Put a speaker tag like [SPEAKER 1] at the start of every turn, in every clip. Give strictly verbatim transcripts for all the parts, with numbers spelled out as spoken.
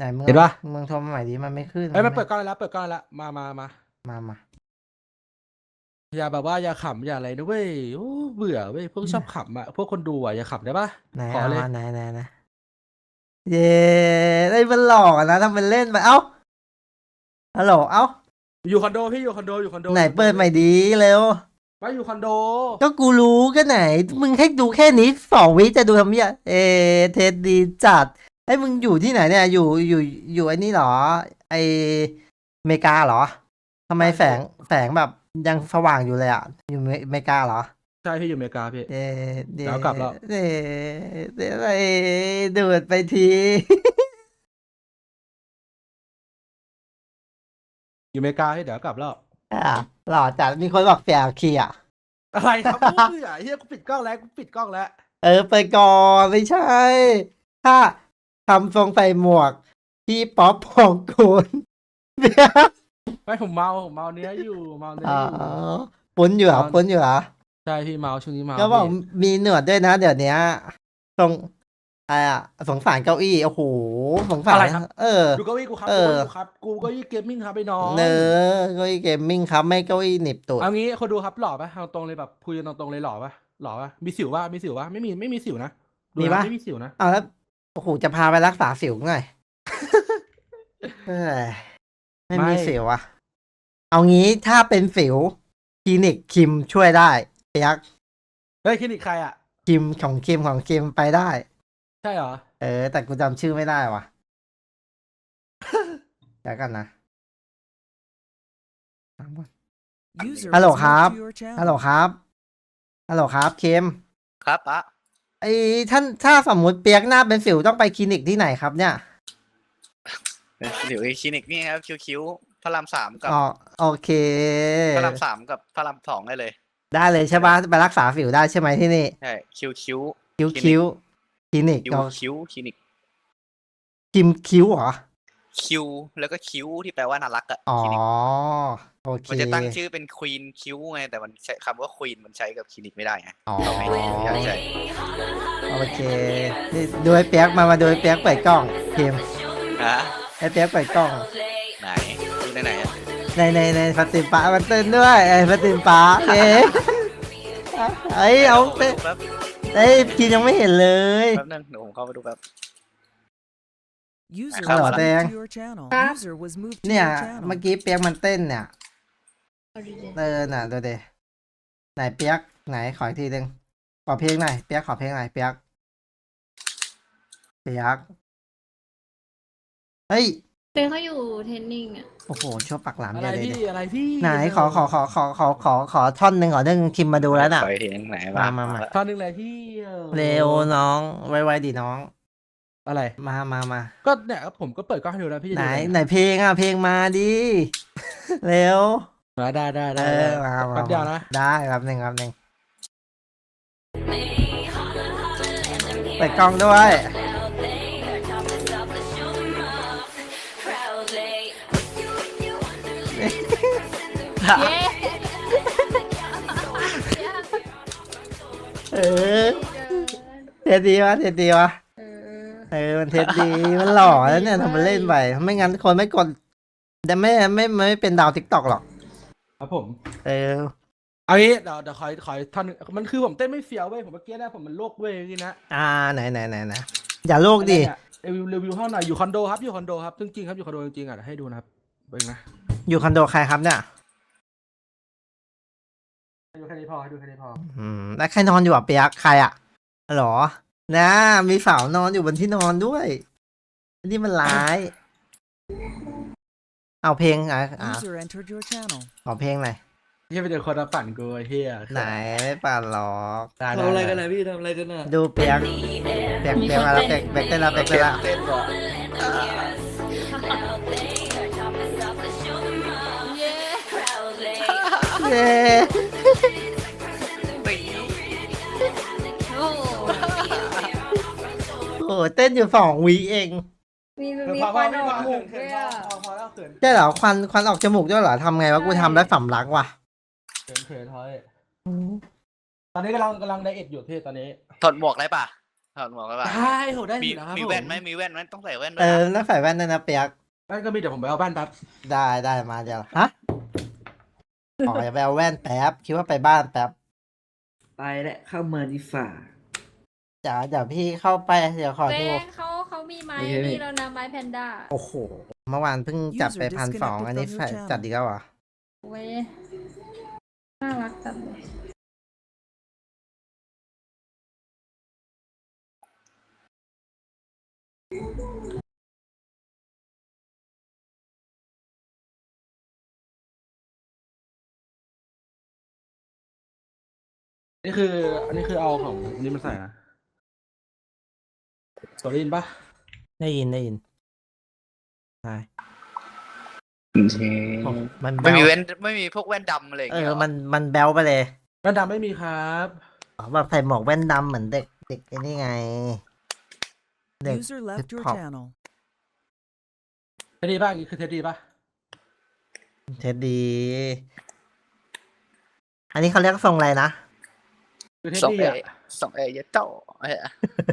[SPEAKER 1] ไหนมึง
[SPEAKER 2] เห็นปะ
[SPEAKER 1] มึงโทรมาใหม่ดิมันไม่ขึ้น
[SPEAKER 2] เอ้ยมันเปิดกล้องแล้วเปิดกล้องแล้วมามามา
[SPEAKER 1] มามา
[SPEAKER 2] อย่าแบบว่าอย่าขำอย่าอะไรนะเว้ยโอ้เบื่อเว้ยพวกชอบขำอ่ะพวกคนดูอ่ะอย่าขำได้ปะ
[SPEAKER 1] ไหน
[SPEAKER 2] ขอ
[SPEAKER 1] เอา
[SPEAKER 2] เลย
[SPEAKER 1] ไหนไหนไหนเย้ได้มันหลอกอะนะทำเป็นเล่นไปเอ้าฮัลโหลเอ้า
[SPEAKER 2] อยู่คอนโดพี่อยู่คอนโดอยู่คอนโด
[SPEAKER 1] ไหนเปิดใหม่ดีเร็ว
[SPEAKER 2] มาอยู่คอนโด
[SPEAKER 1] ก็กูรู้ก็ไหน มึงให้ดูแค่นี้สองวิจะดูทำเหี้ยเอเทสดีจัดไอ้มึงอยู่ที่ไหนเนี่ยอยู่อยู่อยู่ไอ้นี่เหรอ ไออเมริกาเหรอทำไมแสงแสงแบบยังสว่างอยู่เลยอ่ะ อยู่อเมริกาเหรอ
[SPEAKER 2] ใช่พี่อยู่อเมริกาพี่
[SPEAKER 1] เดเด
[SPEAKER 2] เดี๋ยวกลับแล้ว
[SPEAKER 1] เดเดเดดูดไปที
[SPEAKER 2] อยู่อเมริกาให้เดี๋ยวกลับแล้ว
[SPEAKER 1] อ่ะหล่อจัดมีคนบอกเสียคีอ่ะ
[SPEAKER 2] อะไรครับเบื่อเฮียกูปิดกล้องแล้วกูปิดกล้องแล้ว
[SPEAKER 1] เออไปก่อนไม่ใช่ ถ้าทำทรงใส่หมวก พี่ป๊อปพองกูล
[SPEAKER 2] ไม่ผมเมาผมเมาเนื้ออยู่เมาเนื้อ
[SPEAKER 1] อ๋อ
[SPEAKER 2] อยู่
[SPEAKER 1] ปุ้นอยู่เหรอปุ้นอยู่เหรอ
[SPEAKER 2] ใช่พี่เมาช่วงนี้เมา
[SPEAKER 1] ก็บอก
[SPEAKER 2] พี่
[SPEAKER 1] มีหนวดด้วยนะ เดี๋ยวนี้ทรงอะไรอะสงสารเก้าอี้โอ้โหสงสาร
[SPEAKER 2] อะไรครับ
[SPEAKER 1] เออ
[SPEAKER 2] ดูเก้าอี้กูครับ
[SPEAKER 1] เอ
[SPEAKER 2] ดู
[SPEAKER 1] อ
[SPEAKER 2] เก้าอี้กูครับกูเก้าอี้เกมมิ่งครับไอ้น้อง
[SPEAKER 1] เนอเก้าอี้เกมมิ่งครับไม่เก้าอี้หนีบตูด
[SPEAKER 2] เอางี้คนดูครับหล่อปะเอาตรงเลยแบบคุยกันตรงๆเลยหล่อปะหล่อปะมีสิวปะมีสิวปะไม่มีไม่มีสิวนะดู
[SPEAKER 1] มี
[SPEAKER 2] นะ
[SPEAKER 1] ปะ
[SPEAKER 2] ไม่มีสิวนะ
[SPEAKER 1] เอาแล้วโอ้โหจะพาไปรักษาสิวหน่อย เอ้ยไม่มีสิวอะเอางี้ถ้าเป็นสิวคลินิกคิมช่วยได้เปียก
[SPEAKER 2] เฮ้ยคลินิกใครอ่ะ
[SPEAKER 1] คิมของคิมของคิมไปได้
[SPEAKER 2] ใช่เหรอ
[SPEAKER 1] เออ แต่กูจำชื่อไม่ได้ว่ะ เดี๋ยวกันนะ
[SPEAKER 3] User
[SPEAKER 1] ฮัลโหล
[SPEAKER 3] was
[SPEAKER 1] ครับ
[SPEAKER 3] moved to your channel.
[SPEAKER 1] ฮัลโหลครับฮัลโหลครับคิม
[SPEAKER 4] ครับปะ
[SPEAKER 1] ไอ้ท่านถ้าสมมุติเปียกหน้าเป็นสิวต้องไปคลินิกที่ไหนครับเนี่ย
[SPEAKER 4] เดี๋ยวคลินิกนี่ครับคิวคิวพระรามสามกับ
[SPEAKER 1] อ๋อโอเค
[SPEAKER 4] พระรามสามกับพระรามสองได้เลย
[SPEAKER 1] ได้เลยใช่ปะไปรักษาสิวได้ใช่ไหมที่นี่
[SPEAKER 4] ใช่คิวคิว
[SPEAKER 1] คิ้วคิ้วคลินิก
[SPEAKER 4] คิว
[SPEAKER 1] เอา
[SPEAKER 4] คิวคลินิก
[SPEAKER 1] คิมคิ้วเหรอ
[SPEAKER 4] คิวแล้วก็คิวที่แปลว่าน่ารักอะ
[SPEAKER 1] อ๋อ
[SPEAKER 4] คลินิก
[SPEAKER 1] โอเค
[SPEAKER 4] มันจะตั้งชื่อเป็นควีนคิวไงแต่มันใช้คำว่าควีนมันใช้กับคลินิกไม่ได้ไง
[SPEAKER 1] อ๋อ
[SPEAKER 4] เราไม่ใช่ใช่
[SPEAKER 1] โอเคนี่ดูไอ้เปียกมามาดูไอ้เปียกเปิดกล้องคิม
[SPEAKER 4] ฮะ
[SPEAKER 1] ไอ้เปียกเปิดกล้อง
[SPEAKER 4] ไหนดูในไหนอะ
[SPEAKER 1] ในในในฟาติมปะมันเต้นด้วยไอ้ฟาติมปะเอ๊ะเอ้ยเอา
[SPEAKER 4] ไป
[SPEAKER 1] เต้น
[SPEAKER 4] ดูแป๊บ
[SPEAKER 1] เอ้ยพี่ยังไม่เห็นเลย
[SPEAKER 4] แป๊บนึงเดี๋ยวผมเข้าไปดูแป๊บ
[SPEAKER 3] User
[SPEAKER 4] ฮัลโหล
[SPEAKER 3] was
[SPEAKER 1] แดง
[SPEAKER 3] moved to your channel.
[SPEAKER 5] ครับ
[SPEAKER 3] User was moved to
[SPEAKER 1] เนี่ย
[SPEAKER 3] your channel.
[SPEAKER 1] เมื่อกี้เปียกมันเต้นเนี่ย
[SPEAKER 5] เอาดีๆ
[SPEAKER 1] เออน่ะดูดิไหนเปียกไหนขออีกทีหนึ่งขอเพลงหน่อยเปียกขอเพลงหน่อยเปียกเปียกเฮ้ย
[SPEAKER 5] เต้เขาอยู่เทรนนิ่งอ่ะ
[SPEAKER 1] โอ้โหชั่วปากหลาม
[SPEAKER 2] อะไร
[SPEAKER 1] เยอะเลย
[SPEAKER 2] พี่
[SPEAKER 1] ดิ
[SPEAKER 2] อะไรพี่
[SPEAKER 1] ไหนขอขอขอขอขอขอขอท่อนหนึ่งขอหนึ่งคิมมาดูแล้วน่ะ
[SPEAKER 4] ไปเห็นไหน
[SPEAKER 1] มามามา
[SPEAKER 2] ตอนหนึงเลยพี่ออ
[SPEAKER 1] เร็วน้องไวๆดิน้อง
[SPEAKER 2] อะไร
[SPEAKER 1] มามามา
[SPEAKER 2] ก็เนี่ยผมก็เปิดกล้องให้ดูแล้วพี่จะ
[SPEAKER 1] ไหน
[SPEAKER 2] ดูอะไร
[SPEAKER 1] ไหนเพลงอ่ะเพลงมาดิ เร็ว
[SPEAKER 2] มาได้ได้
[SPEAKER 1] เอ
[SPEAKER 2] ได้
[SPEAKER 1] อ
[SPEAKER 2] ได้
[SPEAKER 1] มามา
[SPEAKER 2] แป๊บเดียวนะ
[SPEAKER 1] ได้ครับหนึ่งครับหนึ่งเปิดกล้องด้วย
[SPEAKER 5] เย้
[SPEAKER 1] เออเทสดีวะเทสดีวะ
[SPEAKER 5] เออ
[SPEAKER 1] เออมันเทสดีมันหล่อแล้วเนี่ยทำมันเล่นไปไม่งั้นคนไม่กดแต่ไม่ไม่ไม่ไม่เป็นดาวทิกตอกหรอก
[SPEAKER 2] ครับผม
[SPEAKER 1] เออ
[SPEAKER 2] เอางี้เดี๋ยวเดี๋ยวขอขอท่อนหนึ่งมันคือผมเต้นไม่เฟี้ยวเว้ยผมเมื่อกี้นะผมมันโลกเว้ยนี่นะ
[SPEAKER 1] อ่าไหนไหนไหนไหนอย่าโลกดิ
[SPEAKER 2] รีวิวรีวิวห้องหน่อยอยู่คอนโดครับอยู่คอนโดครับจริงๆครับอยู่คอนโดจริงๆอ่ะเดี๋ยวให้ดูนะครับเบิ่งนะ
[SPEAKER 1] อยู่คอนโดใครครับเนี่ย
[SPEAKER 2] ให้ดูแค่นี้พอให้ดูแค่นี้พอ
[SPEAKER 1] อืมแล้วใครนอนอยู่อ่ะเปียกใครอ่ะหรอนะมีสาวนอนอยู่บนที่นอนด้วยนี่มันร้าย เอาเพลงอ่ะอ่ะ
[SPEAKER 3] User entered your channel.
[SPEAKER 1] ขอเพลงหน่อย
[SPEAKER 2] เฮียไปเจอคนมาปั่นกูไอ้เฮีย
[SPEAKER 1] ไหนไม่ป่านหรอก
[SPEAKER 2] ได้
[SPEAKER 6] ทำอะไรกัน
[SPEAKER 2] ด้
[SPEAKER 6] นะพี่ทำอะไรกันน่ะ
[SPEAKER 1] ดูเปียกเปียกเปียกมาแล้วเปียกเปียกเต้นแล้วเปียกเต้นแล้ว
[SPEAKER 4] เต้นก่อน
[SPEAKER 5] เย้
[SPEAKER 1] เย้
[SPEAKER 4] ตี
[SPEAKER 5] โอ้โห
[SPEAKER 1] โอ้โหเต้นอยู่สองวีเอง
[SPEAKER 5] มี
[SPEAKER 2] เออ
[SPEAKER 5] มี
[SPEAKER 2] พอ
[SPEAKER 5] ค
[SPEAKER 2] พอ
[SPEAKER 5] วัน
[SPEAKER 2] ไม่
[SPEAKER 5] อ
[SPEAKER 2] พ
[SPEAKER 5] อ
[SPEAKER 2] อก
[SPEAKER 5] หมู
[SPEAKER 2] เขิน
[SPEAKER 5] ด้วย
[SPEAKER 2] เขินพ
[SPEAKER 5] อ่ะ
[SPEAKER 2] อพอพอแล้วเขิน
[SPEAKER 1] ใช่เหรอควันควันออกจมูกด้วยเหรอทำไงวะกูทำแล้วสำลักว่ะ
[SPEAKER 2] เขินเขินทอยตอนนี้กำลังกำลังไดเอทอยู่พี่ตอนนี้
[SPEAKER 4] ถอดหมวกได้ปะถอดหมวกแล้วป่ะ
[SPEAKER 2] ได้โหได้
[SPEAKER 4] มี
[SPEAKER 2] อยู่นะครับ
[SPEAKER 4] มี
[SPEAKER 2] ผม
[SPEAKER 4] แว่นไหมมีแว่นไหมต้องใส่แว่นด้ว
[SPEAKER 1] เอย อ
[SPEAKER 4] นะ
[SPEAKER 1] แล้วใส่แว่นด้วยนะเปียก
[SPEAKER 2] แว่นก็มีเดี๋ยวผมไปเอาแว่นแป๊บ
[SPEAKER 1] ได้ได้มาเดี๋ยวฮะอ๋อจะไปเอาแว่นแป๊บคิดว่าไปบ้านแป๊บ
[SPEAKER 6] ไปและเข้าเมืองดีฝ่า
[SPEAKER 1] เดี๋ยวเดี๋ยวพี่เข้าไปเดี๋ยวขอ
[SPEAKER 5] แฟ
[SPEAKER 1] ดู
[SPEAKER 5] นเขาเขามีไม้
[SPEAKER 6] โอเคพี่
[SPEAKER 5] นี่แล้วนะไม้แพนด้า
[SPEAKER 1] โอ้โห เมื่อวานเพิ่งจัดไป
[SPEAKER 3] User
[SPEAKER 1] พันสอง
[SPEAKER 3] disconnected
[SPEAKER 1] อันนี้
[SPEAKER 3] from your
[SPEAKER 1] ใส่
[SPEAKER 3] channel
[SPEAKER 1] จัดอีกแล้วเหรอ
[SPEAKER 5] เว้ยน่ารักจังเลย
[SPEAKER 2] นี่คือ อันนี้คือเอาของอันนี้มาใส่นะตัวได้ยินปะ
[SPEAKER 1] ได้ยินได้ยินใช่
[SPEAKER 4] โอเค
[SPEAKER 1] มันแบ
[SPEAKER 4] ไม่มี
[SPEAKER 1] ว
[SPEAKER 4] แว่นไม่มีพวกแว่นดำอะไรอย่าง
[SPEAKER 1] เอ
[SPEAKER 4] เงี้ย
[SPEAKER 1] อ
[SPEAKER 4] หรอ
[SPEAKER 1] มันมันแบลไปเลย
[SPEAKER 2] แว่นดำไม่มีครับ
[SPEAKER 1] อ๋อแบบใส่หมวกแว่นดำเหมือนเด็กเด็กไอ้นี่ไง เด็ก
[SPEAKER 3] User left your
[SPEAKER 1] hip-hop.
[SPEAKER 3] channel.
[SPEAKER 2] เทดดี้ป่ะนี่คือเทดดี้ป่ะ
[SPEAKER 1] เท็ดดี อันนี้เขาเรียกทรงอะไรนะ
[SPEAKER 2] คือเทด
[SPEAKER 4] สอง
[SPEAKER 2] ดี้
[SPEAKER 4] เอ
[SPEAKER 2] อ่ะ
[SPEAKER 4] สองเอเยอะโตเออ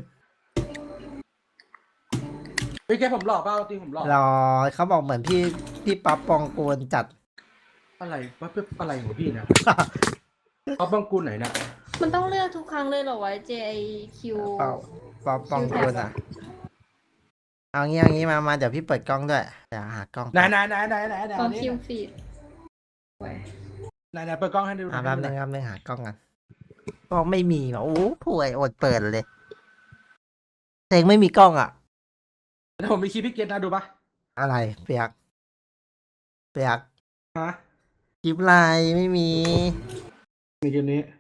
[SPEAKER 2] พี่แกผมหลอกเปล่าจริงผมหลอก
[SPEAKER 1] รอเขาบอกเหมือนพี่พี่ป๊อปปองกูลจัด
[SPEAKER 2] อะไรวะเพื่ออะไรของพี่เนี่ยเอาบังกุลไหนเนี่ย
[SPEAKER 5] มันต้องเลือกทุกครั้งเลยเหรอวะ J I Q
[SPEAKER 1] เปล่าป๊อปปองกูลอ่ะ เอางี้เอางี้มามาเดี๋ยวพี่เปิดกล้องด้วยเดี๋ยวหากล้อง
[SPEAKER 2] ไหนไหนไหนไหนไหนไหน
[SPEAKER 5] ของ
[SPEAKER 2] นี่
[SPEAKER 5] คิวฟีด
[SPEAKER 2] ไหนไหนเปิดกล้องให้ดูห
[SPEAKER 1] อ่า
[SPEAKER 2] น่
[SPEAKER 1] แป๊
[SPEAKER 2] อบ ย
[SPEAKER 1] นึงครับนึงหากล้องกันกล้องไม่มีว่ะโอ้ป่วยอดเปิดเลยเองไม่มีกล้องอ่ะ
[SPEAKER 2] แล้วผมมีคลิปพี่เกตนะดูปะ
[SPEAKER 1] อะไรเปียก เปียก
[SPEAKER 2] ฮะ
[SPEAKER 1] คลิปไลน์ไม่มี
[SPEAKER 2] มีคลิปนี้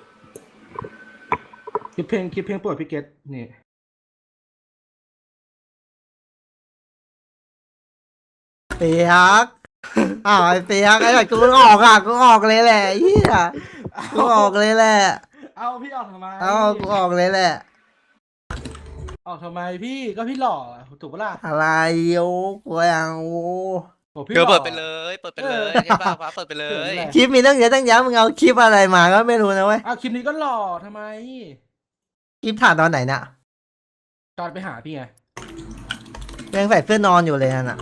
[SPEAKER 2] คลิปเพลงคลิปเพลงโปรดพี่เกตนี่
[SPEAKER 1] เปียก อ้าวไอ้เปียกไอ้แบบกูออกอ่ะกูออกเลยแหละเฮียกูออกเลยแหละ
[SPEAKER 2] เอาพี่ออกทำไม
[SPEAKER 1] เอากูออกเลยแหละ
[SPEAKER 2] ออกทำไมพี่ก็พี่หล่อถูกปะล่ะ
[SPEAKER 1] อะไรโอ้กูยังโอ้
[SPEAKER 2] โอ้พี่
[SPEAKER 4] เดี๋ยว
[SPEAKER 2] หล่อ
[SPEAKER 4] เปิดไปเลยเปิดไปเลยใช่ป่ะฟ้าเปิดไปเลย
[SPEAKER 1] คลิปมีตั้งเยอะตั้งแยะมึงเอาคลิปอะไรมาก็ไม่รู้นะเว้ย
[SPEAKER 2] อ้าวคลิปนี้ก็หล่อทำไม
[SPEAKER 1] คลิปถ่ายตอนไหนน่ะ
[SPEAKER 2] ตอนไปหาพี่ไง
[SPEAKER 1] ยังใส่เสื้อนอนอยู่เลยนั่นน่ะ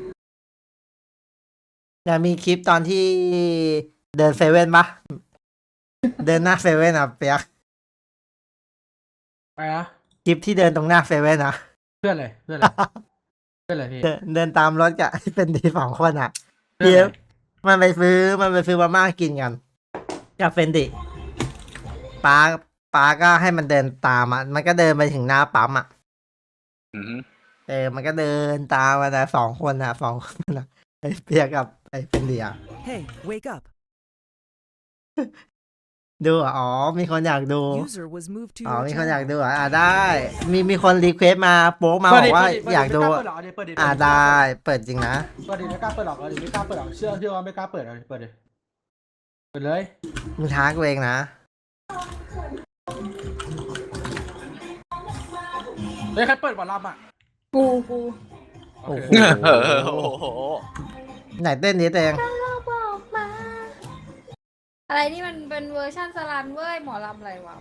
[SPEAKER 1] อย่ามีคลิปตอนที่เดินเซเว่นปะเดินหน้าเซเว่นอ่ะเปียก
[SPEAKER 2] ไปนะ
[SPEAKER 1] คลิปที่เดินตรงหน้าเซเว่นอ่ะ
[SPEAKER 2] เพื่อนเลยเพื่อนเลยเพื่อนเลยพี่
[SPEAKER 1] เดินเดินตามรถกับ เป็นดีสองคนอ่ะ
[SPEAKER 2] เพื่อน
[SPEAKER 1] เดี๋ยว
[SPEAKER 2] เลย
[SPEAKER 1] มันไปซื้อมันไปซื้อมาม่ากินกันกับเฟนดิป้าป้าก็ให้มันเดินตามอ่ะมันก็เดินไปถึงหน้าปั๊มอ่ะ
[SPEAKER 4] อือฮึ
[SPEAKER 1] เออมันก็เดินตามมานะสองคนอ่ะสองคนอ่ะไอ้เปียกกับไอ้เฟนดิอ่ะ
[SPEAKER 3] Hey, wake up.
[SPEAKER 1] ดูอ่ะอ๋อมีคนอยากดู
[SPEAKER 3] User was moved to
[SPEAKER 1] อ๋อ
[SPEAKER 3] your
[SPEAKER 1] มีคนอยาก
[SPEAKER 3] channel.
[SPEAKER 1] ดูอ่ะอ่ะได้ มีมีคนรีเควสมาโป๊กมาบอกว่าอยากดู
[SPEAKER 2] เปิดหรอเปิดดิ
[SPEAKER 1] อ่ะได้ เปิดจริงนะ
[SPEAKER 2] เปิดดิไม่กล้าเปิดหรอกเออดิไม่กล้าเปิดหรอกเชื่อเชื่อว่าไม่กล้าเปิดเลยเปิดดิเปิดเลย
[SPEAKER 1] มึงท้ากูเองนะ
[SPEAKER 2] เฮ้ยใครเปิดบอลลัมอ่ะ
[SPEAKER 5] กูกู
[SPEAKER 2] โอเค
[SPEAKER 1] โอ้โห
[SPEAKER 4] เออโอ้โห
[SPEAKER 1] ไหนเต้นนี้เตง
[SPEAKER 5] เราบอกมา อะไรนี่มันเป็นเวอร์ชันสลันเว้ย หมอลำอะไรวะ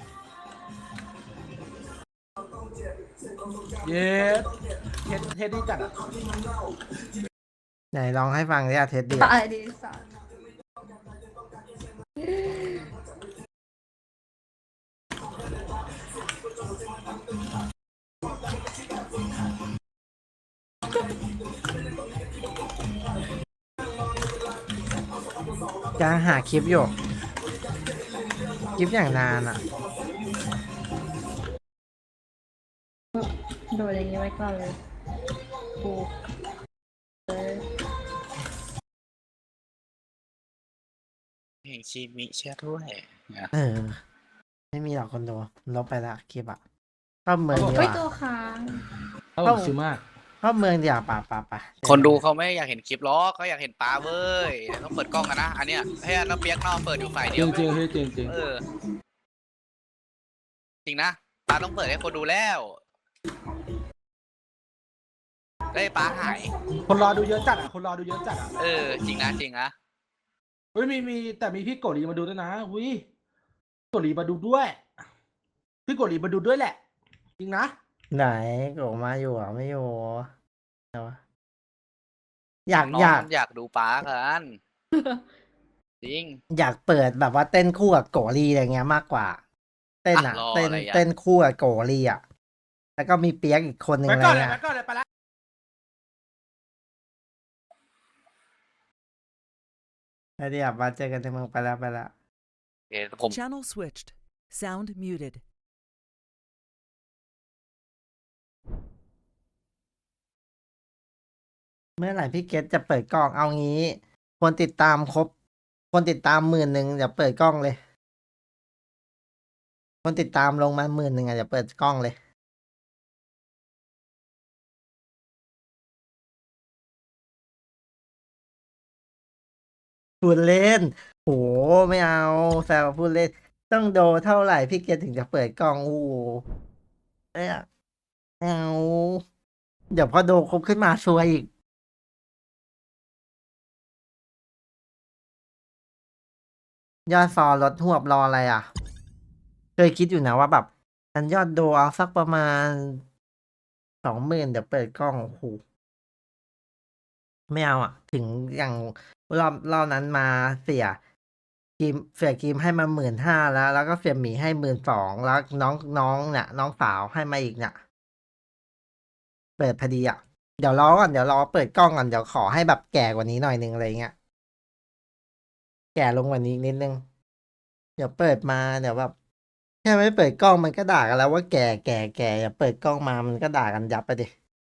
[SPEAKER 2] เย้เทสเทสดีจัดอ่ะ
[SPEAKER 1] ไหนลองให้ฟังดิอ่ะเท็ดดี้
[SPEAKER 5] ตายดีสัส
[SPEAKER 1] กำลังหาคลิปอยู่ คลิปอย่างนานอ่ะ
[SPEAKER 5] โดนอย่างนี้ไว้ก่อนเลยกูเลย
[SPEAKER 4] เพลงชีมิแช่ด้วยเนี่ย
[SPEAKER 1] เออ ไม่มีหรอกคนดูลบไปละคลิปอ่ะเข้าเมืองดีก
[SPEAKER 5] เฮ้ย
[SPEAKER 1] ว่า
[SPEAKER 5] ตัวค้าง
[SPEAKER 2] เขาบอกซื้อมาก
[SPEAKER 1] เข้าเมืองดีกว่าป่ะป่ะป่ะ
[SPEAKER 4] คนดูเขาไม่อยากเห็นคลิปล้อกเขาอยากเห็นปลาเว้ยเดี๋ยวต้องเปิดกล้องกันนะอันเนี้ยให้น้องเปียกนอกเปิดอยู่ฝ่าย
[SPEAKER 2] จ
[SPEAKER 4] เดี
[SPEAKER 2] ริ
[SPEAKER 4] ยว
[SPEAKER 2] งจริงๆพี่จริงจริง
[SPEAKER 4] เออจริงนะปลาต้องเปิดให้คนดูแล้วได้ปลาหาย
[SPEAKER 2] คนรอดูเยอะจัดอ่ะคนรอดูเยอะจัดอ่ะ
[SPEAKER 4] เออจริงนะจริงนะ
[SPEAKER 2] เฮ้ยมีมีแต่มีพี่โกรีมาดูด้วยนะอุ้ยโกรีมาดูด้วยพี่โกรีมาดูด้วยแหละจริงนะ
[SPEAKER 1] ไหนโกมาอยู่เหรอ่ะไม่อยู่เดี๋ยวอยาก
[SPEAKER 4] น้อง
[SPEAKER 1] อยาก
[SPEAKER 4] มันอยากดูป้ากันจริง
[SPEAKER 1] อยากเปิดแบบว่าเต้นคู่กับโกลีอะไรเงี้ยมากกว่า เต้นอ่ะ
[SPEAKER 4] อ่ะรอ
[SPEAKER 1] เต้น
[SPEAKER 4] อะไรอ่ะ
[SPEAKER 1] เต้นคู่กับโกลีอ่ะ แล้วก็มีเปียกอีกคนหนึ่ง
[SPEAKER 2] ไป
[SPEAKER 1] อะไร
[SPEAKER 2] ก่อนเลย
[SPEAKER 1] เงี้ย
[SPEAKER 2] ไปก่อนเลยไปละ
[SPEAKER 1] แล้วเดี๋ยวมาเจอกันในเมืองไปแล้วไปแล้ว
[SPEAKER 4] โอเคผม
[SPEAKER 3] Channel switched. Sound muted.
[SPEAKER 1] เมื่อไหร่พี่เกตจะเปิดกล้องเอางี้ คนติดตามครบ คนติดตามหมื่นหนึ่งเดี๋ยวเปิดกล้องเลย คนติดตามลงมาหมื่นหนึ่งอ่ะเดี๋ยวเปิดกล้องเลย พูดเล่นโหไม่เอาแซวพูดเล่น ต้องโดเท่าไหร่พี่เกตถึงจะเปิดกล้องโอ้โหเอ้ยไม่เอาเดี๋ยวพอโดครบขึ้นมาซวยอีก ยอดฟอลลดหวบรออะไรอ่ะ เคยคิดอยู่นะว่าแบบฉันยอดโดเอาสักประมาณสองหมื่นเดี๋ยวเปิดกล้องโอ้โหไม่เอาอ่ะ ถึงอย่างรอบรอบนั้นมาเสียกิมเสียกิมให้มาหมื่นห้าแล้ว แล้วก็เสียหมีให้หมื่นสองแล้วน้องน้องเนี่ยน้องสาวให้มาอีกเนี่ยเปิดพอดีอ่ะ เดี๋ยวรอก่อนเดี๋ยวรอเปิดกล้องก่อนเดี๋ยวขอให้แบบแก่กว่านี้หน่อยนึงอะไรเงี้ย แก่ลงกว่านี้นิดนึง เดี๋ยวเปิดมาเดี๋ยวแบบแค่ไม่เปิดกล้องมันก็ด่ากันแล้วว่าแก่แก่แก่อย่าเปิดกล้องมามันก็ด่ากันยับไปดิ